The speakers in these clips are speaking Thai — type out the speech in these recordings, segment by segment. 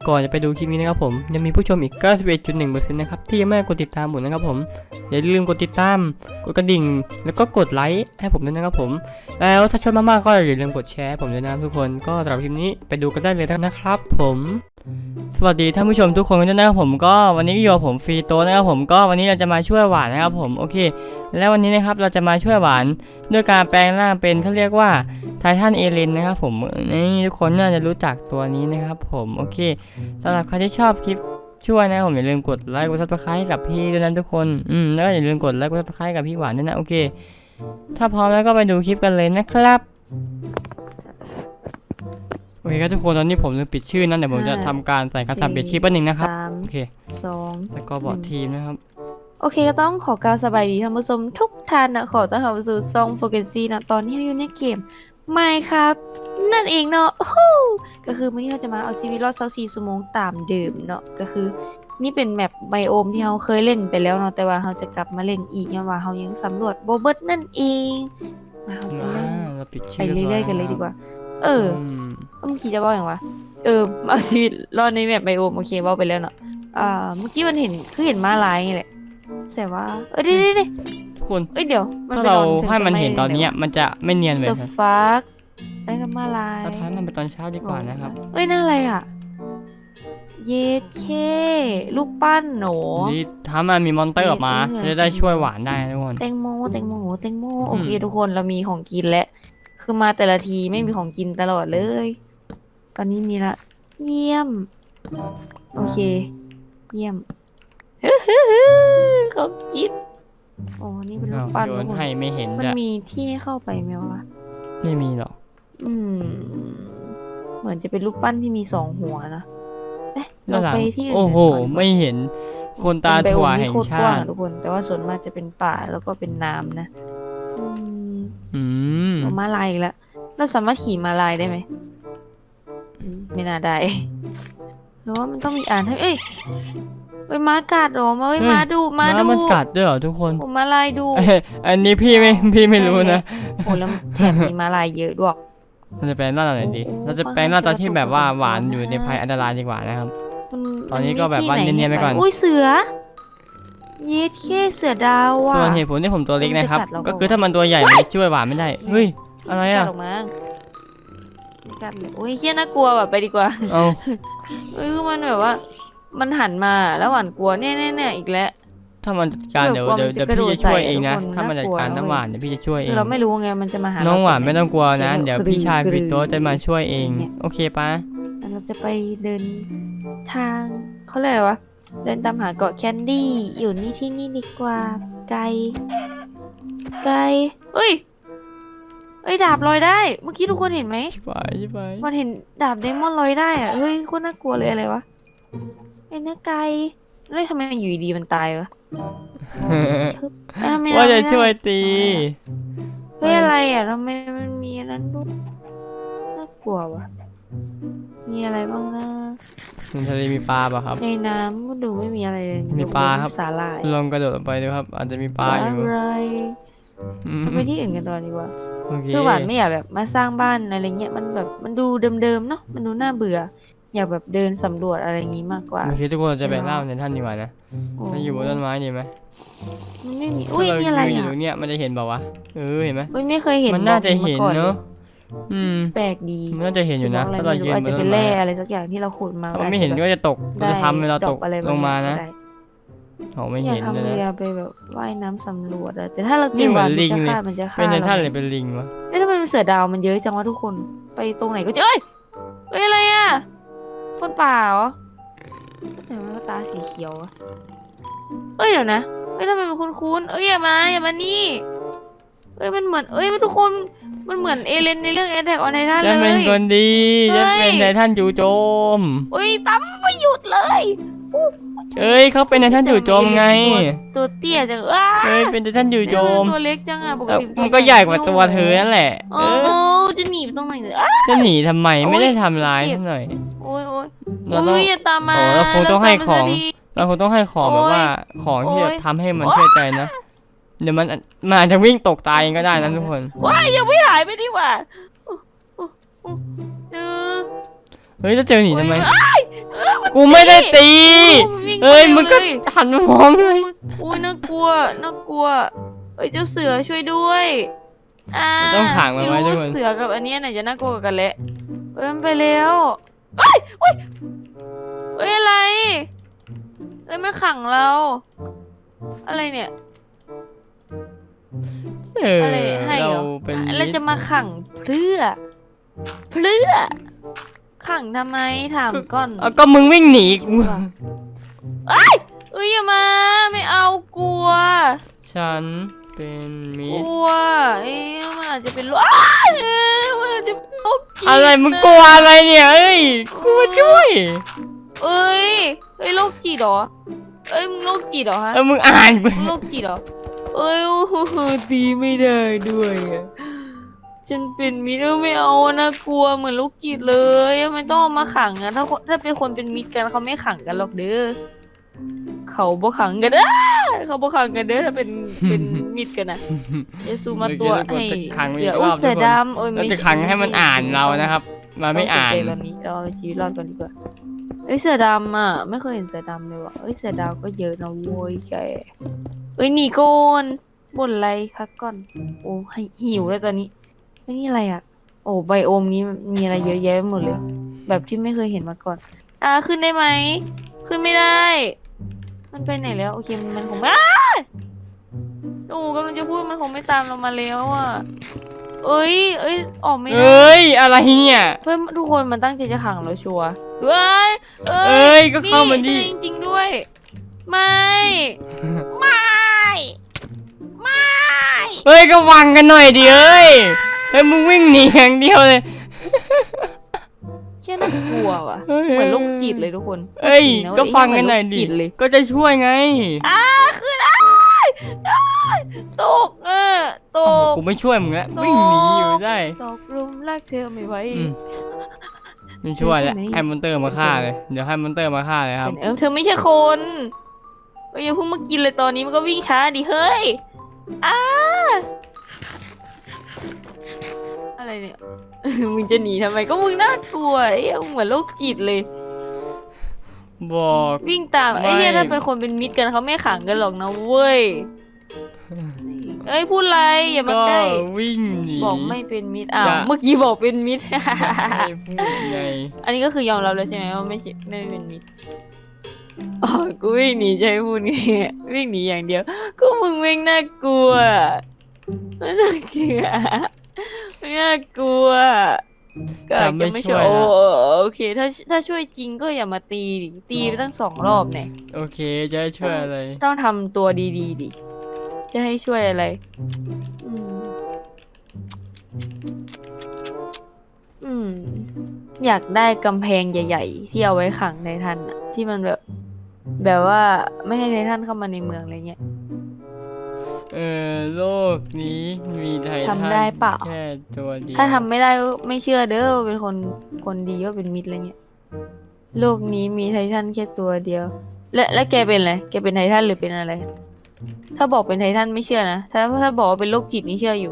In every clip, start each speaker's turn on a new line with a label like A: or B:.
A: ก่อนจะไปดูคลิปนี้นะครับผมยังมีผู้ชมอีก 91.1% นะครับที่ยังไม่กดติดตามผมนะครับผมอย่าลืมกดติดตามกดกระดิ่งแล้วก็กดไลค์ให้ผมด้วยนะครับผมแล้วถ้าชอบมากๆก็อย่าลืมกดแชร์ผมด้วยนะทุกคนก็สำหรับคลิปนี้ไปดูกันได้เลยนะครับผมสวัสดีท่านผู้ชมทุกคนกันด้วยนะครับผมก็วันนี้อยู่กับผมฟรีโตนะครับผมก็วันนี้เราจะมาช่วยหวานนะครับผมโอเคแล้ววันนี้นะครับเราจะมาช่วยหวานด้วยการแปลงร่างเป็นเขาเรียกว่าไททันเอเลนนะครับผมนี่ทุกคนน่าจะรู้จักตัวนี้นะครับผมโอเคสำหรับใครที่ชอบคลิปช่วยนะผมอย่าลืมกดไลค์กดซับสไครต์กับพี่ด้วยนะทุกคนแล้วก็อย่าลืมกดไลค์กดซับสไครต์กับพี่หวานด้วยนะโอเคถ้าพร้อมแล้วก็ไปดูคลิปกันเลยนะครับโอเคครับทุกคนตอนนี้ผมลืมปิดชื่อนั่นเดี๋ยวผมจะทำการใส่คำสั่งเปลี่ยนชื่อแป๊บนึงนะครับโอเค2แล้วก็บอร์ดทีมนะครับ
B: โอเคก็ต้องขอกล่าวสบายดีท่านผู้ชมทุกท่านนะขอต้อนรับสู่ช่องโฟกัสซี่นะตอนนี้เราอยู่ในเกมไม่ครับนั่นเองเนาะก็คือวันนี้เราจะมาเอาชีวิตรอด24ชั่วโมงตามเดิมเนาะก็คือนี่เป็นแมปไบโอมที่เราเคยเล่นไปแล้วเนาะแต่ว่าเราจะกลับมาเล่นอีกนะว่าเรายังสำรวจโบเบิร์ตนั่นเองมาเราจะเล่นไปเรื่อยๆกันเลยดีกว่าเมื่อกี้จะบอกอย่างวะเอาชีวิตรอดในแมปไบโอมโอเคบอกไปแล้วเนาะเมื่อกี้มันเห็นคือเห็นม้าลายไงแหละแต่ว่าดิ
A: ทุกคน
B: เดี๋ยว
A: ถ้าเราให้มันเห็นตอนนี้มันจะไม่เนียนเลย
B: The fuck ได้กับม้าลาย
A: เราท้ายมันไปตอนเช้าดีกว่านะครับ
B: น่าอะไรอ่ะเยเคลูกปั้นหนู
A: นี่ถ้ามันมีมอนเตอร์ออกมาจะได้ช่วยหวานได้ทุกคน
B: แตงโมโอเคทุกคนเรามีของกินแล้วคือมาแต่ละทีไม่มีของกินตลอดเลยตอนนี้มีละเยี่ยมโอเคเยี่ยมเขากินนี่เป็นลูกปั้น
A: โยนให้ไม่เห็น
B: มันมีที่ให้เข้าไปไหมวะ
A: ไม่มีหรอก
B: เหมือนจะเป็นลูกปั้นที่มี2หัวนะเราไปที่อื่น
A: โอ้โหไม่เห็นคนตาถั่วแห่งชาติ
B: ทุกคนแต่ว่าส่วนมากจะเป็นป่าแล้วก็เป็นน้ำนะม้าลายอีกแล้วเราสามารถขี่ม้าลายได้ไหมไม่น่าได้หรือว่ามันต้องมีอ่านให้ม้ากัดหรอม้าดู
A: มันกัดด้วยเหรอทุกคน
B: ม้าลายดู
A: อันนี้พี่ไม่รู้นะ
B: แล้วแถมมีม้าลายเยอะด้วย
A: เราจะแปลงหน้าตอนไหนดีเราจะแปลงหน้าตอนที่แบบว่าหวานอยู่ในภัยอันตรายดีกว่านะครับตอนนี้ก็แบบว่าเนียนๆไปก่อน
B: เสือเย็ดแค่เสือดาวอ่ะ
A: ส่วนเหตุผลที่ผมตัวเล็กนะครับก็คือถ้ามันตัวใหญ่มันช่วยหวานไม่ได้เฮ้ยอะไรอ่ะ
B: กัดเลยเฮี้ยน่ากลัวแบบไปดีกว่าคือมันแบบว่ามันหันมาแล้วหวานกลัวเนี่ยอีกแล้ว
A: ถ้ามันจัดการเดี๋ยวพี่จะช่วยเองนะถ้ามันจัดการน้ำหวานเดี๋ยวพี่จะช่วยเอง
B: เราไม่รู้ไงมันจะมาหา
A: น้องหวานไม่ต้องกลัวนะเดี๋ยวพี่ชายพี่โต๊ะจะมาช่วยเองโอเคปะ
B: เราจะไปเดินทางเขาเรียกว่าเดินตามหาเกาะแคนดี้อยู่ที่นี่ดีกว่าไกลดาบลอยได้เมื่อกี้ทุกคนเห็นไหม
A: ไป
B: มันเห็นดาบเดมอนลอยได้อ่ะโคตรน่ากลัวเลยอะไรวะเนื้อไก่แล้วทำไมอยู่ดีมันตายวะ
A: ว่าจะช่วยตี
B: อะไรอ่ะทำไมมันมีนั้นด้วยน่ากลัววะมีอะไรบ้างนะ
A: ในทะเลมีปลาป่ะครับ
B: ในน้ำก็ดูไม่มีอะไรเลย
A: มีปลาครับ
B: สาหร่าย
A: ลองกระโดดลงไปดูครับอาจจะมีปลาอยู่
B: ไปที่อื่นกันตอนดีกว่าคือหวานไม่อยากแบบมาสร้างบ้านอะไรเงี้ยมันแบบมันดูเดิมๆเนาะมันดูน่าเบื่ออยากแบบเดินสำรวจอะไรอย่างงี้มากกว่า
A: โอเคทุกคนจะไปเล่าในท่านดีกว่านะถ้าอยู่บนต้นไม้ดีไหม
B: มันไม่มีมีอะไรอ่ะ
A: อยู่เนี่ยมันจะเห็นเปล่าวะเห็นไหม
B: ไม่เคยเห็น
A: มันน่าจะเห็นเนาะ
B: แปลกดี
A: มันน่าจะเห็นอยู่นะถ้าเรายืนบนต้นไม้
B: จะเป็นแร่อะไรสักอย่างที่เราขุดมา
A: ถ้าไม่เห็นก็จะตกจะทำให้เราตกลงมานะไม่เห็นเลยนะ
B: อยากทำเรือไปแบบว่ายน้ำสำรวจอะแต่ถ้าเราเจอวันมันจะฆ่า
A: เป็นในท่านเลยเป็นลิงวะ
B: ทำไมมันเสือดาวมันเยอะจังวะทุกคนไปตรงไหนก็เจออะไรอ่ะคนป่าเหรอแต่ว่าตาสีเขียวเดี๋ยวนะทำไมมันคุ้นอย่ามานี่มันเหมือนมันทุกคนมันเหมือนเอเลนในเรื่องAttack on Titanเลย
A: จะเป็นคนดีจะเป็นไททันจู่โจม
B: ตั้มไม่หยุดเลย
A: เขาเป็นไททันจู่โจมไง
B: ตัวเตี้ยจัง
A: เป็นไททันจู่โจม
B: ตัวเล็กจังปกติ
A: มันก็ใหญ่กว่าตัวเธอนั่นแหละ
B: จะหนีตรงไหนเลย
A: จะหนีทำไมไม่ได้ทำร้ายหน่อย
B: อย่าตามมา
A: เราคงต้องให้ของแบบว่าของที่จะทำให้มันเชื่อใจนะเดี๋ยวมันอาจจะวิ่งตกตายก็ได้นะทุกคน
B: ยังไม่หายไปดีกว่า
A: จะเจอหนีทำไมกูไม่ได้ตี
B: วิ่ง
A: เอ้ย
B: ร็ว
A: มึงก็
B: เลย
A: หันมามองเลย
B: อุ้ยน่ากลัวน่ากลัวเอ้ยเจ้าเสือช่วยด้วย
A: ต้องขังมันไว้ทุกคน
B: ม่รู้เสือกับอันเนี้ยไหนจะน่ากลัวกว่ากันแหละเอ้ยมันไปแล้วเอ้ยเอ้ยเอ้ยอะไรเอ้ยมันขังเรา อะไรเนี่ย อะไรให้เหร
A: เรา
B: อ
A: เป็น
B: แล้วจะมาขังเพื่อขังทำไมถามก่อน
A: เอาก็มึงวิ่งหนีกู
B: เอ้ยอย่ามาไม่เอากลัว
A: ฉันเป็นมิ
B: ก
A: ตร
B: ลัวเอ๊ะมันอาจจะเป็นโรคอ้ายมันอาจจะเป็นโรคจิต
A: อะไรมึงกลัวอะไรเนี่ยเอ้ยกูมาช่วย
B: เอ้ยโรคจิตเหรอเอ้ยมึงโรคจิตเหรอฮะ
A: มึงอ่านไป
B: มึงโรคจิตเหรอเอ้ยโอ้โหตีไม่ได้ด้วยอะฉันเป็นมิตรไม่เอานะกลัวเหมือนโรคจิตเลยไม่ต้องเอามาขังอะถ้าเป็นคนเป็นมิตรกันเขาไม่ขังกันหรอกเด้อเขาบ่ขังกันเด้อเขาบ่ขังกันเด้อถ้าเป็นมิตรกันนะ เยซูมาตัวให้
A: จะขัง
B: เสื
A: อี
B: อก อุ้
A: ร
B: ย
A: อบ
B: เสือ
A: ทุกคน
B: ดำโอ้ย
A: เราจะขังให้มันอ่านเรานะครับมาไม่อ่าน
B: เแบบนี้เราเอาชีวิตรอดก่อนดีกว่าเอ้ยเสือดำอ่ะไม่เคยเห็นเสือดำเลยว่ะเอ้ยเสือดำก็เยอะนะโว้ยแกเอ้ยหนีก่อนบ่นอะไรพักก่อนโอ้ให้หิวแล้วตอนนี้เอ้ยนี่อะไรอ่ะโอ้ไบโอมนี้มีอะไรเยอะแยะไปหมดเลย แบบที่ไม่เคยเห็นมาก่อนขึ้นได้ไหมขึ้นไม่ได้ มันไปไหนแล้วโอเคมันคงไม่โอ้กำลังจะพูดมันคงไม่ตามเรามาแล้วอ่ะเอ้ยออกไม่ได้
A: เอ้ยอะไรเนี่ย
B: เพื่อนทุกคนมันตั้งใจจะขังเราชัวร์เอ้ย
A: เอ้ยก็เข้ามาดิ
B: ใช่จริงๆด้วย ไม่ ไม่ ไม่
A: เฮ้ยก็วางกันหน่อยดิเอ้ยเฮ้ยมึงวิ่งหนีอย่างเดียวเลย
B: เชื่อน่ากลัวว่ะเหมือนโรคจิตเลยทุกคน
A: เอ้ย
B: จริงะ
A: ก็ฟังกันหน่อย
B: เหมื
A: ดิ
B: โรคจิตเลย
A: ก็จะช่วยไง
B: คือตกตก
A: กูไม่ช่วยมึงแล้ววิ่งหนีอยู่ได้
B: ตกหลุมรักเธอไม่ไหว
A: อืมไม่ช่วยแล้ว
B: ใช่ไหม
A: ให้มอนเตอร์มาฆ่าเลยเดี๋ยวให้มอนเตอร์มาฆ่าเลยครับ
B: เธอไม่ใช่คนอย่าเพิ่งมากินเลยตอนนี้มันก็วิ่งช้าดิเฮ้ยอะไรเนี่ย มึงจะหนีทำไมก็มึงน่ากลัวไอ้เหี้ยมึงเหมือนโรคจิตเลย
A: บอก
B: วิ่งตาม
A: ไม่
B: ไอ้เหี้ยถ้าเป็นคนเป็นมิตรกันเขาไม่ขังกันหรอกนะเว้ยเอ้ยพูดอะไรอย่ามา
A: ก็
B: ใกล้
A: วิ่งหนี
B: บอกไม่เป็นมิตร
A: จะ
B: เมื่อกี้บอกเป็นมิตร
A: ไม่พูดไง
B: อันนี้ก็คือยอมรับเลยใช่ไหมว่าไม่เป็นมิตรอ๋อกูวิ่งหนีใจพูดไงวิ่งหนีอย่างเดียวก็มึงวิ่งน่ากลัวไม่น่าเกลียดไม่น่ากลัวก็อาจจะไม่ช่วยโอเค ถ้าช่วยจริงก็อย่ามาตีดิตีไปตั้ง2 รอบเนี่ย
A: โอเคจะให้ช่วยอะไร
B: ต้องทำตัวดีๆดิจะให้ช่วยอะไรอืมอยากได้กำแพงใหญ่ๆที่เอาไว้ขังไททันอะที่มันแบบว่าไม่ให้ไททันเข้ามาในเมืองอะไรเงี้ย
A: โลกนี้มีไททัน
B: ทำได้เปล่า
A: แค่ตัวเดียว
B: ถ้าทำไม่ได้ก็ไม่เชื่อเด้อว่าเป็นคนดีว่าเป็นมิตรอะไรเงี้ยโลกนี้มีไททันแค่ตัวเดียว และแกเป็นอะไรแกเป็นไททันหรือเป็นอะไร ถ้าบอกเป็นไททันไม่เชื่อนะถ้าบอกว่าเป็นโรคจิตนี่เชื่ออยู่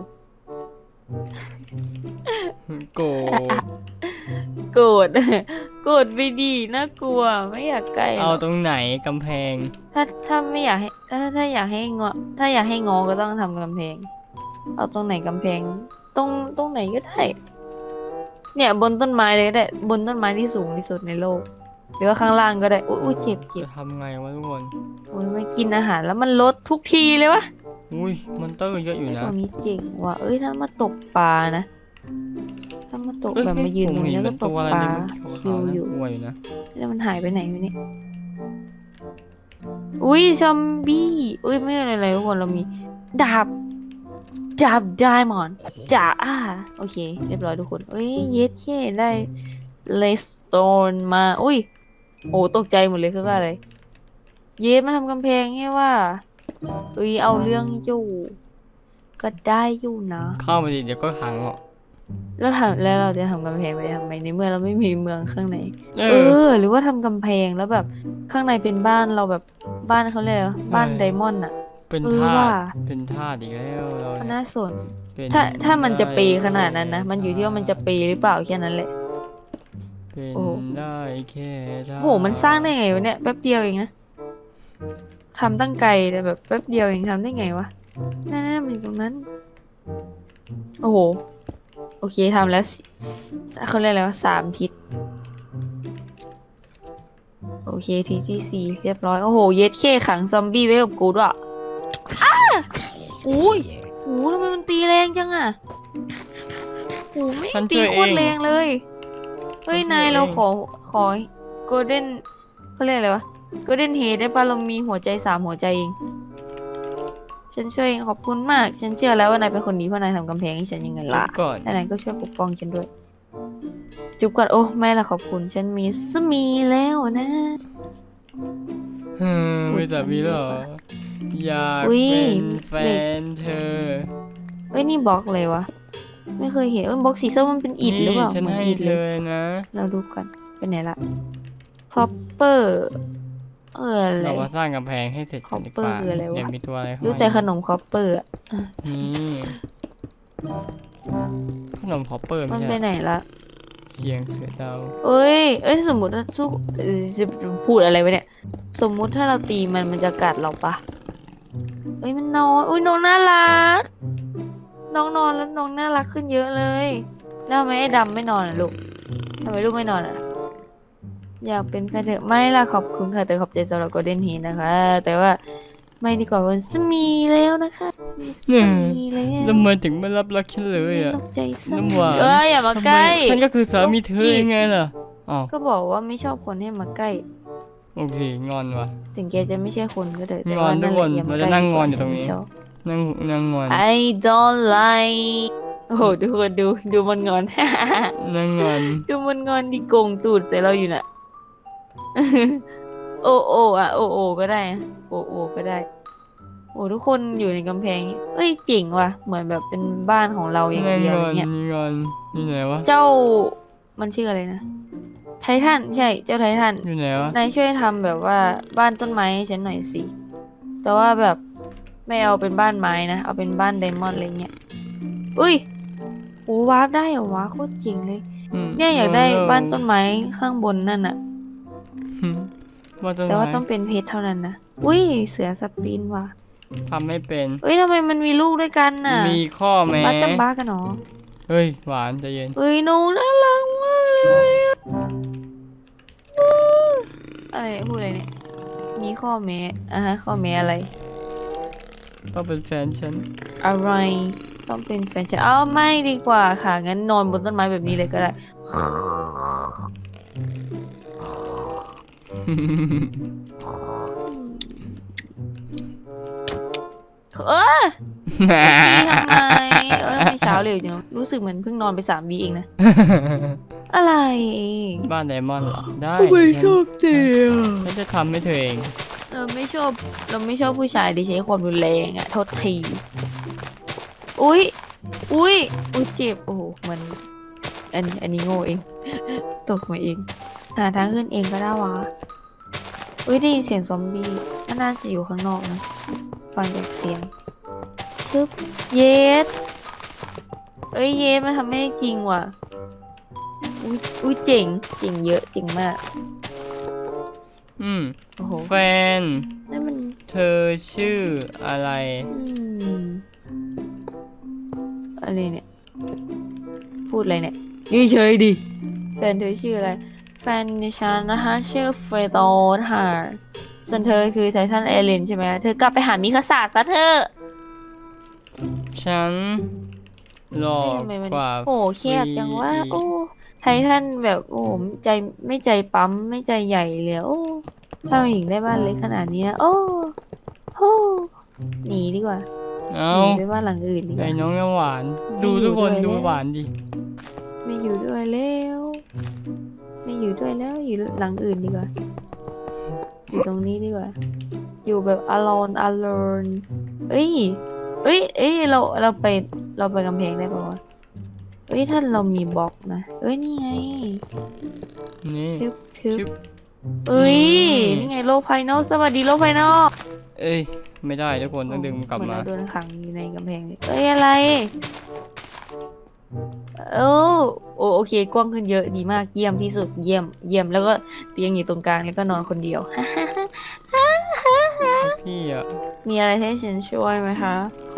A: โกรธ
B: โกรธ โกรธไปดีน่ากลัวไม่อยากใกล้หร
A: เอา
B: อก
A: ตรงไหนกำแพง
B: ถ้าไม่อยากให้ถ้าอยากให้งอถ้าอยากให้งอก็ต้องทำกำแพง เอาตรงไหนกำแพงตรงไหนก็ได้ เนี่ยบนต้นไม้เลยก็ได้บนต้นไม้ที่สูงที่สุดในโลก หรือว่าข้างล่างก็ได้อุ้ยเจ็บ
A: จะทำไงวะทุกคน
B: โอ้ยไม่กินอาหารแล้วมันลดทุกทีเลยวะ
A: อุ้ยมอนเตอร์เยอะอยู่นะ
B: ตัวนี้เจ๋งว่ะเอ้ยถ้ามาตกปลานะถ้ามาตกแบบมายืนตรงนี้แล้วก็ตกปลาชิวอยู่
A: กลัวอยู่นะ
B: แล้วมันหายไปไหนวะเนี่ยอุ้ยซอมบี้อุ้ยไม่อะไรทุกคนเรามีดาบไดมอนด์โอเค เรียบร้อยทุกคนเอ้ยเย็ดแค่ได้เลสโตนมาอุ้ยโอ้ตกใจหมดเลยคือว่าอะไรเย็ดมาทำกำแพงไงว่าอุ้ยเอาเรื่องอยู่ก็ได้อยู่นะ
A: เข้ามาดิเดี๋ยวก็ขังอ่ะ
B: แล้วเราจะทำกำแพงไปทำไมในเมื่อเราไม่มีเมืองข้างใน
A: เอ
B: หรือว่าทำกำแพงแล้วแบบข้างในเป็นบ้านเราแบบบ้านเขาเรียกอะไรวะบ้านไดมอนด์อ่ะ
A: เป็น
B: เออ
A: ทา
B: ว่ะ
A: สเป็นทาสอีกแล้วเรา
B: ก็
A: เนี่ย
B: น่าสน
A: เป็น
B: ถ้ามันจะเปย์ขนาดนั้นนะ
A: ได้
B: มันอยู่ที่ว่ามันจะเปย์หรือเปล่าแค่นั้นแหละ
A: เป็น
B: โอ้โห
A: ได้แค่ได้
B: โหมันสร้างได้ไงวะเนี่ยแป๊บเดียวเองนะทำตั้งไกลแต่แบบแป๊บเดียวเองทำได้ไงวะนั่นๆมันอยู่ตรงนั้น โอ้โห โอเคทำแล้วเขาเรียกอะไรวะ3 ทิศ โอเคทีที่4เรียบร้อย โอ้โห เย็ดเข้ขังซอมบี้ไว้กับกูด้วยอ้าอุ้ยโอ้ทำไมมันตีแรงจังอะโอ้ไม่
A: ฉัน
B: ตี
A: ช่วย
B: โค
A: เอ
B: ตรง แรงเลย เฮ้ย
A: ฉันช่วย
B: นายเรา
A: เอง
B: ขอโกลเด้นเขาเรียกอะไรวะโกลเด้นเฮดได้ปะเรามีหัวใจ3 หัวใจเอง ฉันช่วยเองขอบคุณมาก ฉันเชื่อแล้วว่านายเป็นคนดีเพราะนายทำกำแพงให้ฉันยังไง
A: จุ
B: ล่ะ
A: บก่อน
B: และนายก็ช่วยปกป้องฉันด้วย จุบก่อนโอ้ไม่ละขอบคุณ ฉันมีสามีแล้วนะ
A: ไม่สามีแล้วเหรออยาก
B: อุ๊ย
A: เป็นแฟ
B: เหล็ก
A: นเธอ
B: เอ้ยนี่บล็อกเลยวะ ไม่เคยเห็นบล็อกสีส้มมันเป็นอิฐหรือเปล่า
A: ฉัน
B: เหมือน
A: ให้
B: อิฐ
A: เธ
B: เลย
A: อนะ
B: เราดูกันเป็นไหนละ proper อะไร
A: เรามาสร้างกำแพงให้เสร็จก่อนดีกว่า
B: Copper คืออะไรวะ
A: เดี๋ยวมีตัวอะไรเข้า
B: รู้
A: มา
B: แต่ขนมคอปเปอร์อะ
A: นี่ขนมพอปเปอร์
B: มั
A: ไม่
B: นไป
A: ใช่
B: ไหนละ
A: เคียงเสือดาว
B: เอ้ยสมมติว่าสู้จะพูดอะไรวะเนี่ย สมมุติถ้าเราตีมันจะกัดเราปะเอ้ยมันนอนอุ้ยน้องน่ารัก น้องนอนแล้วน้องน่ารักขึ้นเยอะเลย แล้วทำไมไอ้ดำไม่นอนอ่ะลูกทำไมลูกไม่นอนอ่ะ อยากเป็นแฟนเธอไม่ล่ะขอบคุณค่ะแต่ขอบใจสำหรับ Golden Heat นะคะ แต่ว่าไม่ดีกว่าวันสามีแล้วนะคะมีสามีแล้ว
A: แล้วมันถึงไม่รับรักฉันเลยอ่ะ
B: ไม่รับใจสา
A: น้ำ
B: มี
A: หวาน
B: เอ้ยอย่ามาใกล้
A: ทำไมฉันก็คือสามีเธอยังไงล่ะอ๋อ
B: ก็บอกว่าไม่ชอบคนให้มาใกล้
A: โอเคงอนว่ะ
B: ถึงแกจะไม่ใช่คนก็เถอะแต่
A: งอน
B: ว่า
A: ทุกคน
B: แหละอย่ามา
A: เราจะนั่งงอนอยู่ตรงนี้
B: ไม่ชอบ
A: นั่งงอน
B: I don't like โอ้โหดูคนดูมันงอน
A: นั่งงอน
B: ดูมันงอนดิโกงตูดใส่เราอยู่น่ะ โอโออะโอโอก็ได้อะโอโอก็ได้ โอ้ทุกคนอยู่ในกำแพงนี้เอ้ยเจ๋งว่ะเหมือนแบบเป็นบ้านของเราอย่าง
A: นั่ง
B: เดียว
A: ง
B: เล
A: อย น
B: เนี่ย
A: งอนอยู่ไหนวะ
B: เจ้ามันชื่ออะไรนะไททันใช่เจ้าไททัน
A: อยู่ไหนวะ
B: นายช่วยทำแบบว่าบ้านต้นไม้ให้ฉันหน่อยสิ แต่ว่าแบบไม่เอาเป็นบ้านไม้นะ เอาเป็นบ้านไดมอนด์อะไรเงี้ย อุ้ยโอ้วาร์ปได้เหรอวะโคตรเจ๋งเลย เนี่ยอยากได้บ้านต้นไม้ข้างบนนั่นอะ
A: บ้านต้น
B: แต่ว่า
A: ไม้
B: ต้องเป็นเพชรเท่านั้นนะ อุ้ยเสือสปรินว่ะ
A: ทำไม่เป็น
B: เอ้ยทำไมมันมีลูกด้วยกันน่ะ
A: มีข้อแม้
B: บ้าจำบ้ากันเหรอ
A: เฮ้ยหวานใจเย็น
B: เอ้ยหนูน่ารักมากเลยอะอะไรเนี่ยพูดอะไรเนี่ย มีข้อแม้ข้อแม้อะไร
A: ต้องเป็นแฟนฉัน
B: อะไร ต้องเป็นแฟนฉันอ้าวไม่ดีกว่าค่ะ งั้นนอนบนต้นไม้แบบนี้เลยก็ได้ เออตีทำไมทำไมเช้าเร็วจังรู้สึกเหมือนเพิ่งนอนไป3 วีเองนะ อะไร
A: บ้านไดมอนด์เหรอ ได้
B: ชอบเจีย
A: ฉันจะทำให้เธอเอง
B: เราไม่ชอบผู้ชายที่ใช้ความรุนแรงอะโทษทีอุ้ยเจ็บโอ้โหมันอันนี้โง่เอง ตกมาเอง หาทางขึ้นเองก็ได้วะอุ้ยได้ยินเสียงซอมบี้มันน่าจะอยู่ข้างนอกนะฟังจากเสียงชึบเยสเอ้ยเยสมันทำไม่ได้จริงว่ะอุ้ยเจ๋งเยอะเจ๋งมาก โอ้โห
A: แฟน
B: นั่นมัน
A: เธอชื่ออะไร
B: อะไรเนี่ย พูดอะไรเนี่ยนี่เฉยดิแฟนเธอชื่ออะไร แฟนดิฉันนะคะชื่อเฟรโตค่ะส่วนเธอคือไททันเอเลนใช่ไหมเธอกลับไปหามิคาสาซะเธอะ
A: ฉันหล่อ
B: ทำไมมัน
A: กว่า
B: โอ้แคบจังว่า
A: ฟรี
B: โอ้ไททันแบบโอ้ใจไม่ใจปั๊มไม่ใจใหญ่เลยโอ้ถ้ามาหญิงได้บ้านเล็กขนาดนี้นะโอ้โหหนีดีกว่า
A: เอ้า
B: หนีไปบ้านหลังอื่นดีก
A: ไอ้
B: ว่า
A: น้องน้ำหวาน
B: ไม่
A: ดู
B: อยู่
A: ทุกคน
B: ด้วย
A: ดู
B: แล้ว
A: หวานดิ
B: ไม่อยู่ด้วยแล้วไม่อยู่ด้วยแล้วอยู่หลังอื่นดีกว่า อยู่ตรงนี้ดีกว่า อยู่แบบ alone เอ้ยเราไปกำแพงได้ปะวะเอ้ยถ้าเรามีบล็อกนะเอ้ยนี่ไง
A: นี่
B: ทึบ
A: ชึบ
B: เอ้ย
A: นี่
B: นี่ไงโลกภายนอกสวัสดีโลกภายนอก
A: เอ้ย ไม่ได้ทุกคนต้องดึงมันกลับ
B: เหมือน
A: มา
B: เราโดนขังอยู่ในกำแพงเลยเอ้ยอะไรโอ้โอเคกว้างขึ้นเยอะดีมากเยี่ยมที่สุดเยี่ยมเยี่ยมแล้วก็เตียงอยู่ตรงกลางแล้วก็นอนคนเดียว
A: พี่อะ
B: มีอะไรให้ฉันช่วยไหมคะ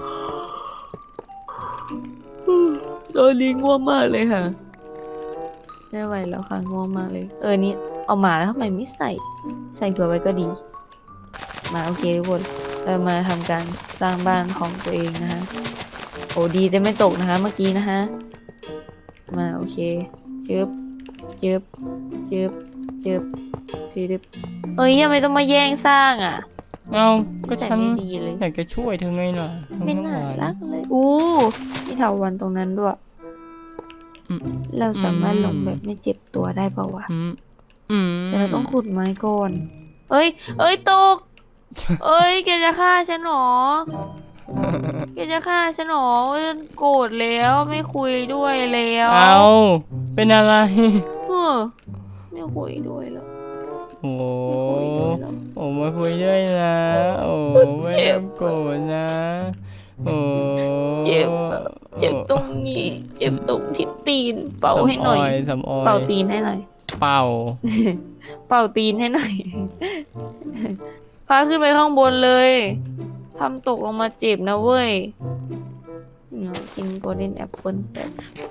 B: ตอนนี้ง่วงมากเลยค่ะไม่ไหวแล้วค่ะง่วงมากเลยนี่เอาหมาแล้วทำไมไม่ใส่เผื่อไว้ก็ดีมาโอเคทุกคนเรามาทำการสร้างบ้านของตัวเองนะคะโอ้ดีแต่ไม่ตกนะคะเมื่อกี้นะคะมาโอเคจึบจึบจึบจึบจึบยังไม่ต้องมาแย่งสร้างอ่ะ
A: เอาก็
B: ใส่
A: ฉัน
B: ไม่ดีเลย
A: อยากจะช่วยเธอไงล่ะทำ
B: ไม่
A: น้ำ
B: น่า
A: หวาน
B: รักเลยมีเถาวัลย์ตรงนั้นด้วย
A: อืม
B: เราสามารถลงแบบไม่เจ็บตัวได้เปล่าวะ
A: อืมอืม
B: แต่เราต้องขุดไม้ก่อน เอ้ยตก แกจะฆ่าฉันหรอ แกจะฆ่าฉันหรอฉันโกรธแล้วไม่คุยด้วยแล้ว
A: เอาเป็นอะไร
B: เออไม่คุยด้วยแล้ว
A: โอ้
B: ไม่คุยด้วยแล้ว
A: โอ้มาคุยด้วยนะโอ้ไม่
B: เจ็
A: ต้อบ งโกรธนะโอ้
B: เจ็บอะเจ็บตรงนี้ เจ็บตรงที่ตีน เป่าให้หน่อย
A: สำออย
B: เป่าตีนให้หน่อย
A: เป่า
B: เป่าตีนให้หน่อย พาขึ้นไปข้างบนเลย ทำตกลงมาเจ็บนะเว้ยกินโกลเด้นแอปเปิลแบบ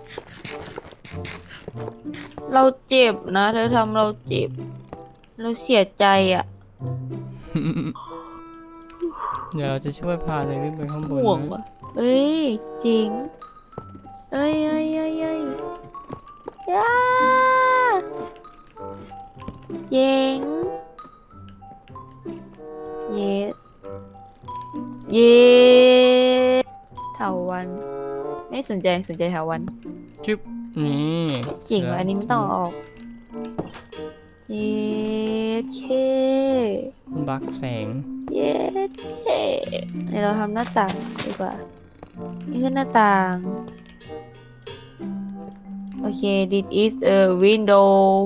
B: เราเจ็บนะ เธอทำเราเจ็บ เราเสียใจอ่ะ
A: เดี๋ยวจะช่วยพาเธอขึ้นไปข้างบน
B: ห่วง
A: นะ
B: ว่ะจริงเอ้ยย่าเจ๋งเย็ดเย็ดเถาวันไม่สนใจเถาวัน
A: จึ๊บนี่
B: จริงว่ะอันนี้ไม่ต้องเอาออกเย็ดเค
A: บักแสง
B: เย็ดเคเดี๋ยวเราทำหน้าต่างดีกว่านี่คือหน้าต่าง โอเค this is a window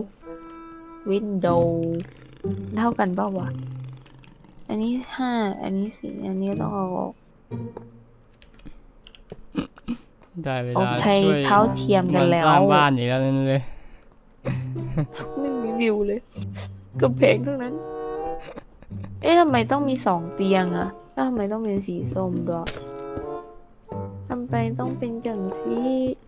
B: เท่ากันเปล่าวะอันนี้5อันนี้4อันนี้ต้องเอาออก
A: ได้เว
B: โอ
A: ลา
B: เค
A: ช่วย
B: เท้าเทียมกันแล้ว
A: สร้างบ้านอีกแล้วนั่นเลย
B: ไม่มีวิวเลยกำแพงทั้งนั้น ทำไมต้องมี2เตียงอะแล้วทำไมต้องเป็นสีส้มด้วยทำไมต้องเป็นจังสี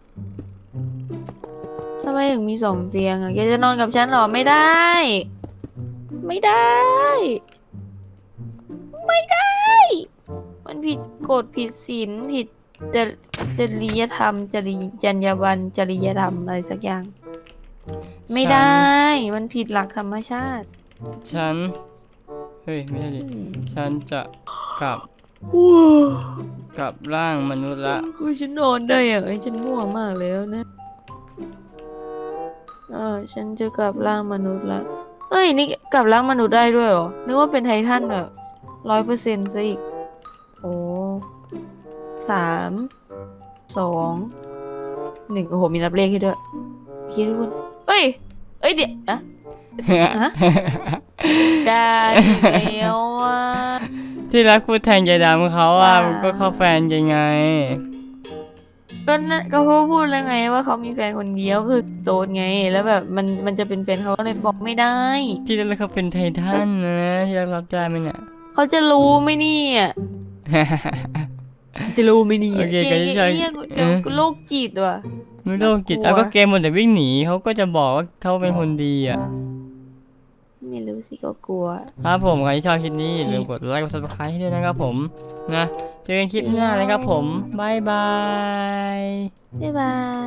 B: ทำไมถึงมี2เตียงอะแกจะนอนกับฉันเหรอไม่ได้ ไม่ได้ มันผิดกฎผิดศีลผิดจริยธรรมจรรยาบรรณจริยธรรมอะไรสักอย่าง ไม่ได้ มันผิดหลักธรรมชาติ
A: ฉันเฮ้ยไม่ใช่ดิฉันจะกลับร่างมนุษย์ละ
B: คือฉันนอนได้อะฉันง่วงมากแล้วนะฉันจะกลับร่างมนุษย์ละนี่กลับร่างมนุษย์ได้ด้วยเหรอนึกว่าเป็นไททันแบบ100%ซะอีกโอ้3 2 1โอ้โหมีนับเลขให้ด้วยคิดทุกคนเดี๋ยวฮะการอีกแล้วอ่ะ
A: ที่รักพูดแทนยายดำเขาอ่ะมันก็เข้าแฟนยังไง
B: ก็เขาพูดแล้วไงว่าเขามีแฟนคนเดียวคือโดนไงแล้วแบบมันจะเป็นแฟนเขาเลยบอกไม่ได้
A: ที่รักเขาเป็นไททันนะที่รักรับได้ไหมเนี่ย
B: เขาจะรู้ไหมเนี่ยจะรู้ไหมเนี่ย
A: โอเคก็จะใช่
B: กูโรคจิตว่ะ
A: ไม่โรคจิต
B: น่ากลัว
A: เอาก็เกมหมดแต่วิ่งหนีเขาก็จะบอกว่าเขาเป็นคนดีอ่ะ
B: ไม่รู้สิก็กลัว
A: ครับผมใครที่ชอบคลิปนี้อย่าลืมกดไลค์กด subscribe ให้ด้วยนะครับผมนะเจอกันคลิปหน้าเลยครับผมบายบาย
B: บ๊ายบาย